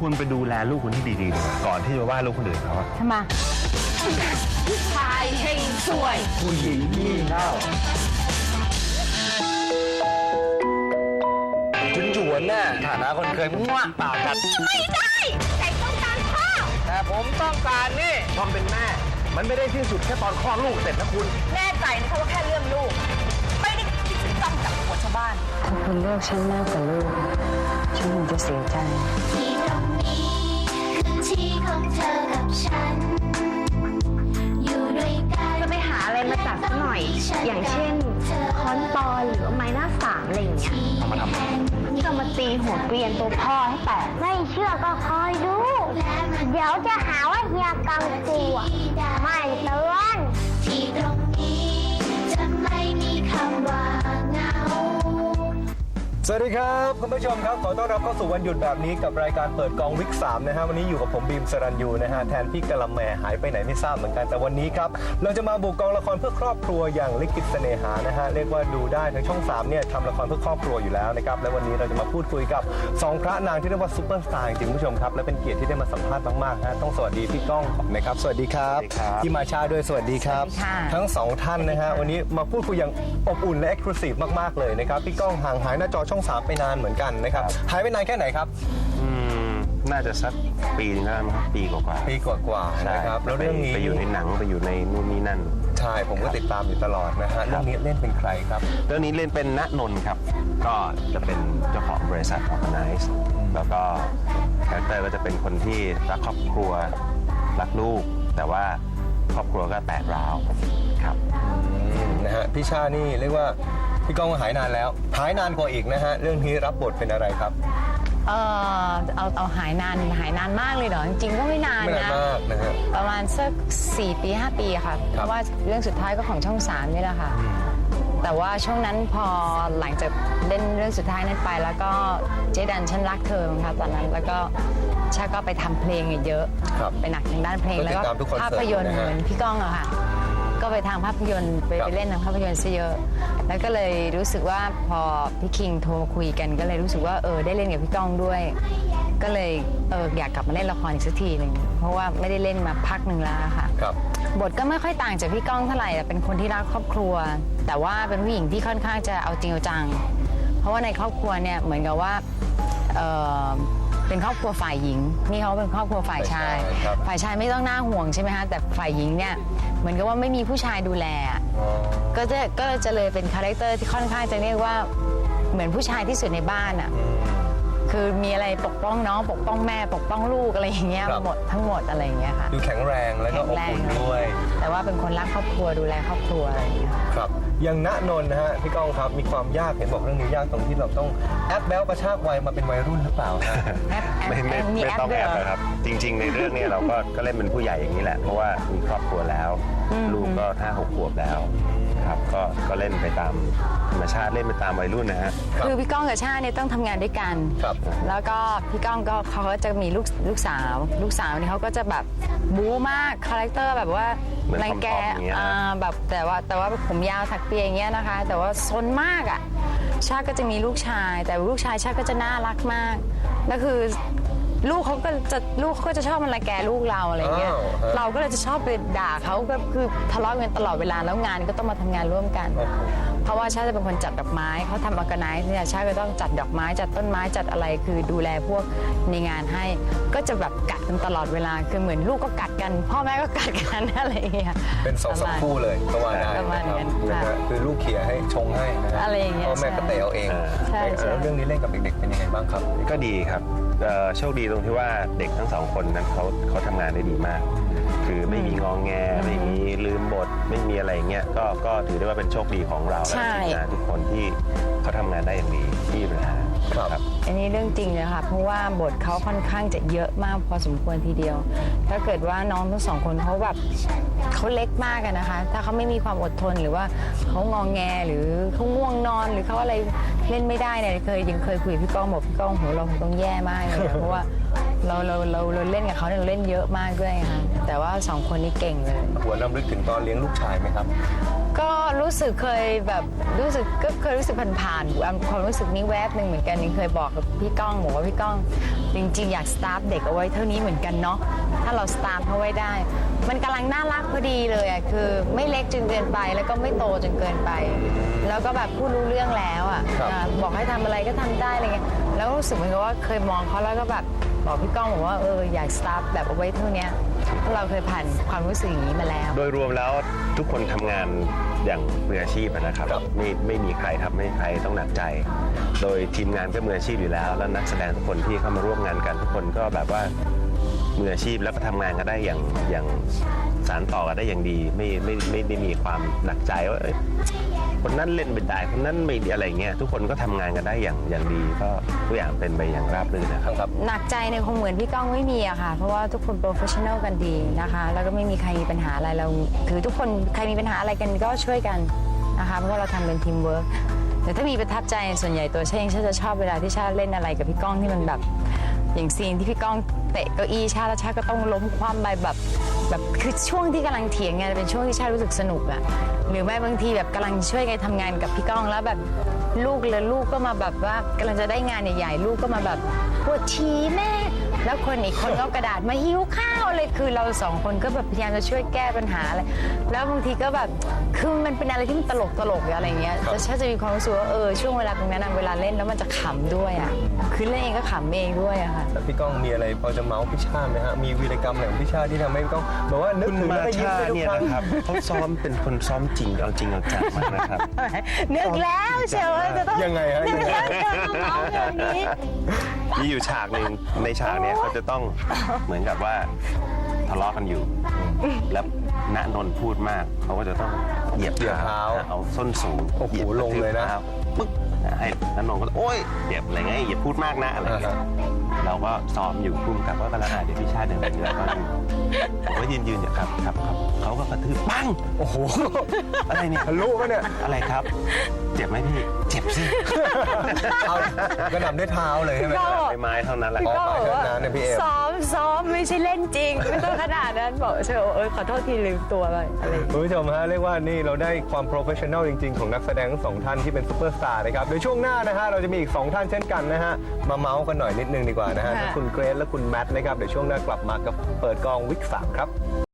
คุณไปดูแลลูกคุณที่ดีๆดีกว่าก่อนที่จะว่าลูกคนอื่นเขาทำไมชายเฮงสวยผู้หญิงงี่เง่าจวนๆน่ะฐานะคนเคยมั่วปากกัดไม่ได้แต่ต้องการพ่อแต่ผมต้องการนี่ความเป็นแม่มันไม่ได้สิ้นสุดแค่ตอนคลอดลูกเสร็จนะคุณแน่ใจนะคะว่าแค่เรื่องลูกไม่ได้คิดจะจ้องจับหัวชาวบ้านถ้าคุณเลือกฉันมากกว่าลูกฉันคงจะเสียใจที่ตรงนี้คือที่ของเธอกับฉันอยู่ด้วยกันจะไปหาอะไรมาจับสักหน่อยอย่างเช่นค้อนปอนหรือไม้หน้าสามอะไรอย่างเงี้ยเอามาทำก็มาตีหัวเกรียนตัวพ่อให้แตกไม่เชื่อก็คอยดูเดี๋ยวจะหาว่าเฮียกังตัวไม่เตือนที่ตรงนี้จะไม่มีคำว่าเหงาสวัสดีครับคุณผู้ชมครับขอต้อนรับเข้าสู่วันหยุดแบบนี้กับรายการเปิดกองวิก3นะฮะวันนี้อยู่กับผมบีมสรัญยูนะฮะแทนพี่กะละแมหายไปไหนไม่ทราบเหมือนกันแต่วันนี้ครับเราจะมาบุกกองละครเพื่อครอบครัวอย่างลิขิตเสน่หานะฮะเรียกว่าดูได้ทั้งช่อง3เนี่ยทำละครเพื่อครอบครัวอยู่แล้วนะครับและวันนี้เราจะมาพูดคุยกับ2พระนางที่เรียกว่าซุปเปอร์สตาร์จริงๆคุณผู้ชมครับและเป็นเกียรติที่ได้มาสัมภาษณ์มากๆนะต้องสวัสดีพี่ก้องนะครับสวัสดีครับพี่มาชาด้วยสวัสดีครับทั้ง2ท่านนะฮะวันนี้มาพูดคุยอย่างอบอุ่นและเอ็กซ์คลูซีฟมากๆเลยนะครับพี่ก้องห่างหายหน้าจอช่อง3ไปนานเหมือนกันนะครับหายไปนานแค่ไหนครับน่าจะสักปีนึงแล้วมั้งปีกว่าปีกว่านะครับแล้วเรื่องนี้ไปอยู่ในหนังไปอยู่ในนู่นนี่นั่นใช่ผมก็ติดตามอยู่ตลอดนะฮะเรื่องนี้เล่นเป็นใครครับเรื่องนี้เล่นเป็นณนนท์ครับก็จะเป็นเจ้าของบริษัท Organize แล้วก็คาแรคเตอร์ก็จะเป็นคนที่รักครอบครัวรักลูกแต่ว่าครอบครัวก็แตกร้าวครับนะฮะพี่ชานี่เรียกว่าพี่ก้องหายนานแล้วหายนานกว่าอีกนะฮะเรื่องนี้รับบทเป็นอะไรครับเอาหายนานมากเลยเหรอจริงๆก็ไม่นานนะประมาณสัก4 ปี 5 ปีค่ะเพราะว่าเรื่องสุดท้ายก็ของช่อง3นี่แหละค่ะแต่ว่าช่วงนั้นพอหลังจากเล่นเรื่องสุดท้ายนั้นไปแล้วก็เจดันฉันรักเธอค่ะตอนนั้นแล้วก็ชาก็ไปทำเพลงเยอะไปหนักทางด้านเพลงแล้วก็ภาพยนตร์เหมือนพี่ก้องอะค่ะก็ไปทางภาพยนตร์ไปเล่นทางภาพยนตร์ซะเยอะแล้วก็เลยรู้สึกว่าพอพี่คิงโทรมาคุยกันก็เลยรู้สึกว่าได้เล่นกับพี่ก้องด้วยก็เลยอยากกลับมาเล่นละครอีกสักทีหนึ่งเพราะว่าไม่ได้เล่นมาพักหนึ่งแล้วค่ะบทก็ไม่ค่อยต่างจากพี่ก้องเท่าไหร่เป็นคนที่รักครอบครัวแต่ว่าเป็นผู้หญิงที่ค่อนข้างจะเอาจริงเอาจังเพราะว่าในครอบครัวเนี่ยเหมือนกับว่าเป็นครอบครัวฝ่ายหญิงนี่เขาเป็นครอบครัวฝ่ายชายไม่ต้องน่าห่วงใช่ไหมคะแต่ฝ่ายหญิงเนี่ยเหมือนกับว่าไม่มีผู้ชายดูแลก็จะเลยเป็นคาแรคเตอร์ที่ค่อนข้างจะเรียกว่าเหมือนผู้ชายที่สุดในบ้านอ่ะคือมีอะไรปกป้องน้องปกป้องแม่ปกป้องลูกอะไรอย่างเงี้ยหมดทั้งหมดอะไรอย่างเงี้ยค่ะดูแข็งแรงแล้วก็อบอุ่นด้วยแต่ว่าเป็นคนรักครอบครัวดูแลครอบครัวอะไรอย่างเงี้ยครับอย่างณนนท์นะฮะพี่ก้องครับมีความยากเห็นบอกเรื่องนี้ยากตรงที่เราต้องแอปแบลกระชากวัยมาเป็นวัยรุ่นหรือเปล่าไม่ต้องแอปนะครับจริงๆในเรื่องนี้เราก็เล่นเป็นผู้ใหญ่อย่างนี้แหละเพราะว่ามีครอบครัวแล้วลูกก็5-6 ขวบแล้วครับก็เล่นไปตามธรรมชาติเล่นไปตามวัยรุ่นนะฮะคือพี่ก้องกับชาเนี่ยต้องทำงานด้วยกันแล้วก็พี่ก้องก็เขาก็จะมีลูกสาวนี่เขาก็จะแบบบู๊มากคาแรคเตอร์แบบว่ารังแกแบบแต่ว่าผมยาวถักเปียอย่างเงี้ยนะคะแต่ว่าซนมากอ่ะชาก็จะมีลูกชายแต่ลูกชายชาก็จะน่ารักมากแล้วคือลูกเขาก็จะชอบมันรังแกลูกเราอะไรเงี้ยเราก็เลยจะชอบไปด่าเขาก็คือทะเลาะกันตลอดเวลาแล้วงานก็ต้องมาทำงานร่วมกันเพราะว่าชาจะเป็นคนจัดดอกไม้เขาทำออร์แกไนซ์เนี่ยชาก็ต้องจัดดอกไม้จัดต้นไม้จัดอะไรคือดูแลพวกในงานให้ก็จะแบบกัดกันตลอดเวลาคือเหมือนลูกก็กัดกันพ่อแม่ก็กัดกันอะไรเงี้ยเป็น2-3 คู่เลยประมาณนั้นคือลูกเขี่ยให้ชงให้อะไรอย่างเงี้ยพ่อแม่ก็เตะเอาเองแล้วเรื่องนี้เล่นกับเด็กๆเป็นยังไงบ้างครับก็ดีครับโชคดีตรงที่ว่าเด็กทั้ง2 คนนั้นเขาทำงานได้ดีมากคือไม่มีงองแงไม่มีลืมบทไม่มีอะไรเงี้ยก็ถือได้ว่าเป็นโชคดีของเราและทีมงานทุกคนที่เขาทำงานได้อย่างดีที่มีปัญหาครับอันนี้เรื่องจริงเลยค่ะเพราะว่าบทเขาค่อนข้างจะเยอะมากพอสมควรทีเดียวถ้าเกิดว่าน้องทั้ง2 คนเขาแบบเขาเล็กมากกันนะคะถ้าเขาไม่มีความอดทนหรือว่าเขางองแงหรือเขาง่วงนอนหรือเขาอะไรเล่นไม่ได้เนี่ยยังเคยคุยพี่ก้องบอกพี่ก้องโหเราคงต้องแย่มากเลยเพราะว่าเราเล่นกับเขาเนี่ยเราเล่นเยอะมากด้วยค่ะแต่ว่า2 คนนี้เก่งเลยหัวนำลึกถึงตอนเลี้ยงลูกชายไหมครับก็รู้สึกเคยแบบก็เคยรู้สึกผ่านๆความรู้สึกนี้แวบหนึ่งเหมือนกันยังเคยบอกกับพี่ก้องบอกว่าพี่ก้องจริงๆอยากสตาร์ฟเด็กเอาไว้เท่านี้เหมือนกันเนาะถ้าเราสตาร์ฟเขาไว้ได้ มันกำลังน่ารักพอดีเลยอ่ะคือไม่เล็กจนเกินไปแล้วก็ไม่โตจนเกินไป แล้วก็แบบพูดรู้เรื่องแล้วอ่ะครับบอกให้ทำอะไรก็ทำได้อะไรเงี้ยแล้วก็รู้สึกเหมือนกับว่าเคยมองเขาแล้วก็แบบบอกพี่ก้องบอกว่าอยากสตาร์ฟแบบเอาไว้เท่านี้เพราะเราเคยผ่านความรู้สึกอย่างนี้มาแล้วโดยรวมแล้วทุกคนทำงานอย่างมืออาชีพนะครับครับไม่มีใครทำให้ใครต้องหนักใจ โดยทีมงานก็มืออาชีพอยู่แล้ว แล้วนักแสดงทุกคนที่เข้ามาร่วมงานกันทุกคนก็แบบว่ามืออาชีพแล้วก็ทำงานกันได้อย่างสานต่อกันได้อย่างดีไม่ได้มีความหนักใจว่าคนนั้นเล่นเป็นได้คนนั้นไม่ดีอะไรเงี้ยทุกคนก็ทำงานกันได้อย่างดีก็ทุกอย่างเป็นไปอย่างราบรื่นนะครับหนักใจเนี่ยคงเหมือนพี่ก้องไม่มีอะค่ะ เพราะว่าทุกคนโปรเฟชชั่นแนลกันดีนะคะ แล้วก็ไม่มีใครมีปัญหาอะไรเราคือทุกคนใครมีปัญหาอะไรกันก็ช่วยกันนะคะเพราะว่าเราทำเป็นทีมเวิร์กแต่ถ้ามีประทับใจส่วนใหญ่ตัวชาเองชาจะชอบเวลาที่ชาเล่นอะไรกับพี่ก้องที่มันแบบอย่างซีนที่พี่ก้องเตะเก้าอี้ชาแล้วชาก็ต้องล้มคว่ำไปแบบคือช่วงที่กำลังเถียงกันเป็นช่วงที่ชารู้สึกสนุกอะหรือไม่บางทีแบบกำลังช่วยกันทำงานกับพี่ก้องแล้วแบบลูกก็มาแบบว่ากำลังจะได้งานใหญ่ๆลูกก็มาแบบปวดฉี่แม่แล้วคนอีกคนก็เอากระดาษมาหิ้วข้าวเลยคือเรา2 คนก็แบบพยายามจะช่วยแก้ปัญหาอะไรแล้วบางทีก็แบบคือมันเป็นอะไรที่มันตลกอะไรอย่างเงี้ยแต่ชาจะมีความรู้สึกว่าช่วงเวลาตรงนั้นเวลาเล่นแล้วมันจะขำด้วยอะคือเล่นเองก็ขำเองด้วยอะค่ะแต่พี่ก้องมีอะไรพอจะเมาส์พี่ชาติไหมฮะมีวีรกรรมอะไรของพี่ชาติที่ทำให้พี่ก้องบอกว่านึกคุณถึงมาแล้วก็ยิ้มชาได้ทุกเนี่ยครั้งนะครับเขาซ้อมเป็นคนซ้อมจริงเอาจริงเอาจังมากนะครับนึกแล้วเชียวว่าจะต้องยังไงฮะนึยักงไงแล้วจะมาเมาส์อย่างนี้มีอยู่ฉากหนึ่งในฉากเนี้ยเขาจะต้องเหมือนกับว่าทะเลาะกันอยู่ แล้วณนนท์พูดมากเขาก็จะต้องเหยียบเหยียบเท้าเอาส้นสูงโอ้โหหยียบลงเลยนะกรทืบท้าปึ๊กให้ณนนท์ก็โอ๊ยเหยียบอะไรเงี้ยอย่าพูดมากนะอะไรเงี้ยเราก็ซ้อมอยู่พุ่มกับว่ากำลังเดี๋ยวพี่ชาติเดินไปแล้วก็ผมก็ยืนอยู่ครับเขาก็กระทืบปังโอ้โหอะไรเนี่ยทะลุปะเนี่ยอะไรครับ เจ็บไหมพี่เจ็บสิเอากระหน่ำด้วยเท้าเลยใช่ไหมก็ใบไม้เท่านั้นแหละอ๋อก็บอกว่าไปเถอะนะเนี่ยพี่เอมซ้อมไม่ใช่เล่นจริงไม่ต้องขนาดนั้นบอกเชียวขอโทษทีลืมตัวไปอะไรอย่างเงี้ยคุณผู้ชมฮะเรียกว่านี่เราได้ความโปรเฟชชั่นอลจริงๆ ของนักแสดงทั้ง2 ท่านที่เป็นซูเปอร์สตาร์นะครับโดยช่วงหน้านะฮะเราจะมีอีก2 ท่านเช่นกันนะฮะมาเมาส์กันหน่อยนิดนึงดีกว่านะฮะทั้งคุณเกรซและคุณแมทนะครับเดี๋ยวช่วงหน้ากลับมากับเปิดกองวิก 3ครับ